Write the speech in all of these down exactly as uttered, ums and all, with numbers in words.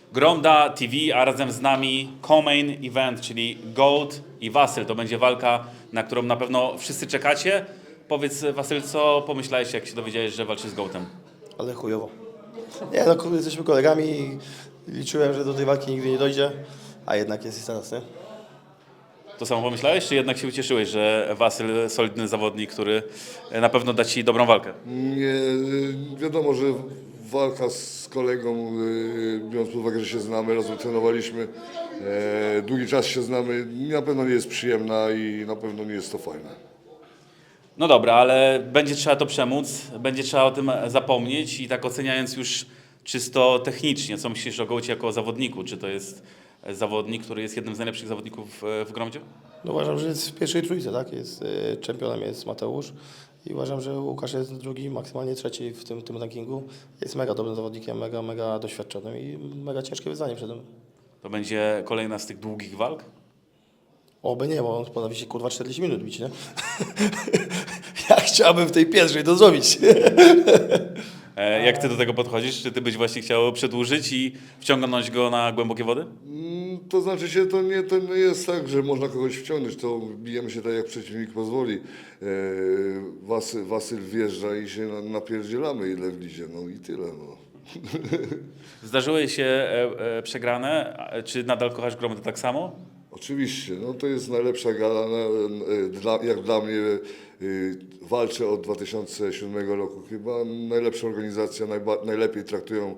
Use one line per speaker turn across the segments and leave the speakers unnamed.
Gromda T V, a razem z nami co-main event, czyli Goat i Wasyl. To będzie walka, na którą na pewno wszyscy czekacie. Powiedz, Wasyl, co pomyślałeś, jak się dowiedziałeś, że walczysz z Goatem?
Ale chujowo. Nie, no kurde, jesteśmy kolegami i liczyłem, że do tej walki nigdy nie dojdzie, a jednak jest i teraz, nie?
To samo pomyślałeś, czy jednak się ucieszyłeś, że Wasyl, solidny zawodnik, który na pewno da ci dobrą walkę?
Nie, wiadomo, że walka z kolegą, y, biorąc pod uwagę, że się znamy, razem trenowaliśmy, e, długi czas się znamy, na pewno nie jest przyjemna i na pewno nie jest to fajne.
No dobra, ale będzie trzeba to przemóc, będzie trzeba o tym zapomnieć i tak oceniając już czysto technicznie, co myślisz o Goacie jako o zawodniku? Czy to jest zawodnik, który jest jednym z najlepszych zawodników w Gromdzie?
No uważam, że jest w pierwszej trójce, tak? Jest, y, czempionem jest Mateusz i uważam, że Łukasz jest drugi, maksymalnie trzeci w tym, tym rankingu. Jest mega dobrym zawodnikiem, mega, mega doświadczonym i mega ciężkie wyzwanie przed nim.
To będzie kolejna z tych długich walk?
Oby nie, bo on potrafi się kurwa czterdzieści minut bić, nie? Ja chciałbym w tej pierwszej to zrobić.
E, jak ty do tego podchodzisz? Czy ty byś właśnie chciał przedłużyć i wciągnąć go na głębokie wody?
Mm, To znaczy się, to nie, to nie jest tak, że można kogoś wciągnąć, to bijemy się tak, jak przeciwnik pozwoli. E, Wasyl, Wasyl wjeżdża i się na- napierdzielamy, ile wlizie, no i tyle, no.
Zdarzyły się e, e, przegrane, a czy nadal kochasz Gromdę tak samo?
Oczywiście, no to jest najlepsza gala, na, e, dla, jak dla mnie y, walczę od dwa tysiące siódmego roku chyba, najlepsza organizacja, najba, najlepiej traktują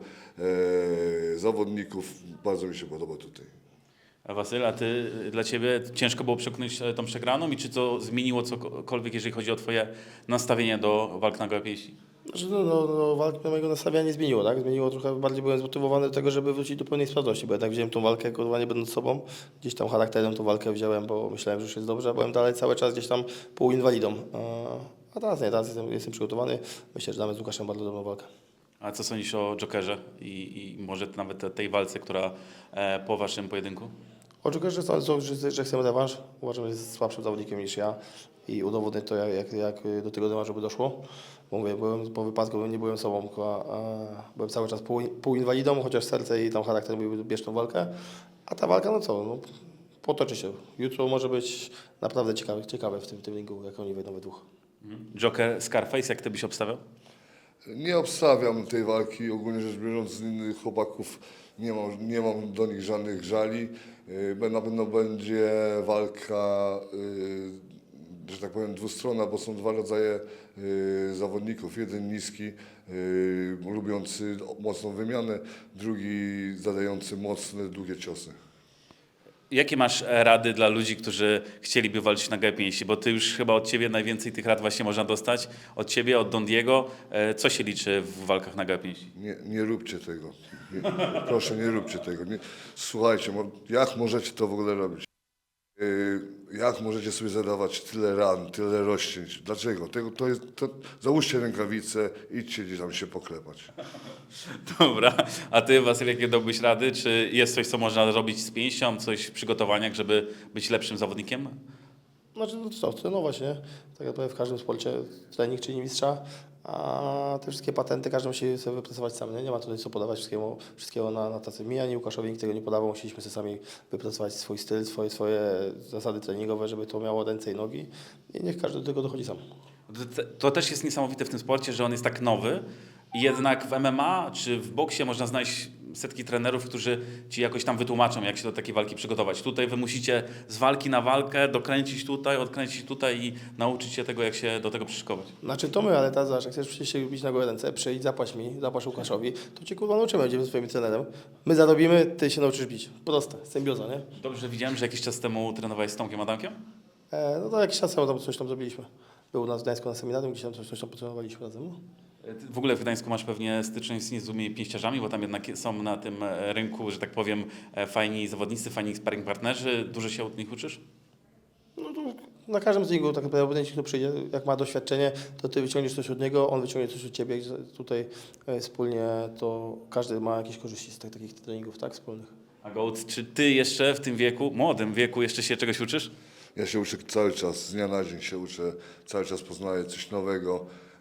e, zawodników, bardzo mi się podoba tutaj.
A Wasyl, a ty, dla ciebie ciężko było przekonać e, tą przegraną i czy to zmieniło cokolwiek, jeżeli chodzi o twoje nastawienie do walk na gołe pięści?
Znaczy, no, no, no, walki mojego nastawienia nie zmieniło, tak? Zmieniło trochę, bardziej byłem zmotywowany do tego, żeby wrócić do pełnej sprawności, bo jednak wziąłem tą walkę, kurwa, nie będąc sobą. Gdzieś tam charakterem tą walkę wziąłem, bo myślałem, że już jest dobrze, a byłem dalej cały czas gdzieś tam półinwalidą. A, a teraz nie, teraz jestem, jestem przygotowany. Myślę, że damy z Łukaszem bardzo dobrą walkę.
A co sądzisz o Jokerze i, i może nawet tej walce, która e, po waszym pojedynku?
Oczekuję, że, że, że, że chcemy rewanż. Uważam, że jest słabszym zawodnikiem niż ja i udowodnię to, jak, jak, jak do tego rewanżu by doszło. Bo mówię, byłem po wypadku, nie byłem sobą, tylko, a, byłem cały czas pół, półinwalidą, chociaż serce i tam charakter mówił, bierz tą walkę. A ta walka, no co, no, potoczy się. Jutro może być naprawdę ciekawe, ciekawe w tym, tym ringu, jak oni wejdą we dwóch.
Joker, Scarface, jak ty byś obstawiał?
Nie obstawiam tej walki, ogólnie rzecz biorąc z innych chłopaków nie mam, nie mam do nich żadnych żali. Yy, Na pewno będzie walka, yy, że tak powiem, dwustronna, bo są dwa rodzaje yy, zawodników. Jeden niski, yy, lubiący mocną wymianę, drugi zadający mocne, długie ciosy.
Jakie masz e, rady dla ludzi, którzy chcieliby walczyć na gołe pięści? Bo ty już chyba od ciebie najwięcej tych rad właśnie można dostać. Od ciebie, od Don Diego. E, co się liczy w walkach na gołe pięści?
Nie, nie róbcie tego. Nie, proszę, nie róbcie tego. Nie, słuchajcie, mo- jak możecie to w ogóle robić? Yy, Jak możecie sobie zadawać tyle ran, tyle rozcięć? Dlaczego? Tego, to jest, to, załóżcie rękawice, idźcie gdzieś tam się poklepać.
Dobra, a ty, Wasyl, jakie dałbyś rady? Czy jest coś, co można zrobić z pięścią, coś w przygotowaniach, żeby być lepszym zawodnikiem?
Znaczy, no co, trenować, nie? Tak jak powiem, w każdym sporcie trening czyni mistrza, a te wszystkie patenty każdy musi sobie wypracować sam, nie? Nie ma tutaj co podawać wszystkiego, wszystkiego na, na tacy. Mi ani Łukaszowi nikt tego nie podawał, musieliśmy sobie sami wypracować swój styl, swoje, swoje zasady treningowe, żeby to miało ręce i nogi i niech każdy do tego dochodzi sam.
To, to też jest niesamowite w tym sporcie, że on jest tak nowy i jednak w M M A czy w boksie można znaleźć setki trenerów, którzy ci jakoś tam wytłumaczą, jak się do takiej walki przygotować. Tutaj wy musicie z walki na walkę dokręcić tutaj, odkręcić tutaj i nauczyć się tego, jak się do tego przyszykować.
Znaczy to my, ale teraz zobacz, jak chcesz przecież się bić na gołe ręce, przyjdź, zapłać mi, zapłać Łukaszowi, to cię kurwa nauczymy, będziemy swoim trenerem. My zarobimy, ty się nauczysz bić. Proste, symbioza, nie?
Dobrze widziałem, że jakiś czas temu trenowałeś z Tomkiem Adamkiem?
E, no to jakiś czas temu tam coś tam zrobiliśmy. Był u nas w Gdańsku na seminarium, gdzieś tam coś, coś tam potrenowaliśmy razem. No.
Ty w ogóle w Gdańsku masz pewnie styczność z niezłymi pięściarzami, bo tam jednak są na tym e, rynku, że tak powiem, e, fajni zawodnicy, fajni sparring partnerzy. Dużo się od nich uczysz?
No to na każdym z nich tak naprawdę obojętnie, kto przyjdzie, jak ma doświadczenie, to ty wyciągniesz coś od niego, on wyciągnie coś od ciebie i tutaj e, wspólnie to każdy ma jakieś korzyści z tak, takich treningów, tak, wspólnych.
A Goat, czy ty jeszcze w tym wieku, młodym wieku, jeszcze się czegoś uczysz?
Ja się uczę cały czas, z dnia na dzień się uczę, cały czas poznaję coś nowego.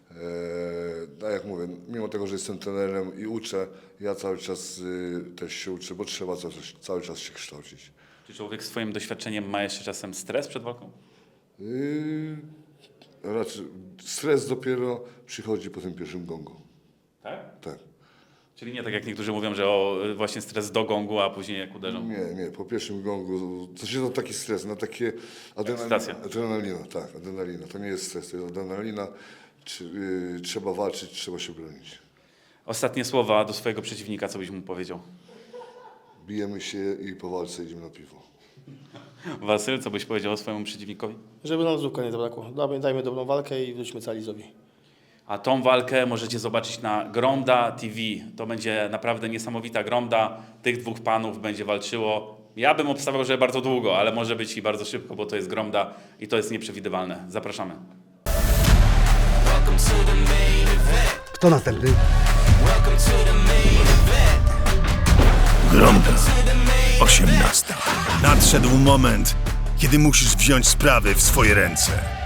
No jak mówię, mimo tego, że jestem trenerem i uczę, ja cały czas y, też się uczę, bo trzeba cały, cały czas się kształcić.
Czy człowiek swoim doświadczeniem ma jeszcze czasem stres przed walką?
Yy, raczej stres dopiero przychodzi po tym pierwszym gongu.
Tak?
Tak.
Czyli nie tak jak niektórzy mówią, że o właśnie stres do gongu, a później jak uderzą.
Nie, nie, po pierwszym gongu to się to taki stres, na takie adrenalina,
Ekscytacja.
adrenalina, tak, adrenalina. To nie jest stres, to jest adrenalina. Czy, yy, trzeba walczyć, trzeba się bronić.
Ostatnie słowa do swojego przeciwnika, co byś mu powiedział?
Bijemy się i po walce idziemy na piwo.
Wasyl, co byś powiedział swojemu przeciwnikowi?
Żeby nam zupka nie zabrakło. Dajmy, dajmy dobrą walkę i wróćmy calizowi.
A tą walkę możecie zobaczyć na Gromda T V. To będzie naprawdę niesamowita Gromda. Tych dwóch panów będzie walczyło. Ja bym obstawiał, że bardzo długo, ale może być i bardzo szybko, bo to jest Gromda i to jest nieprzewidywalne. Zapraszamy.
Kto następny?
Gromda. osiemnasta. Nadszedł moment, kiedy musisz wziąć sprawy w swoje ręce.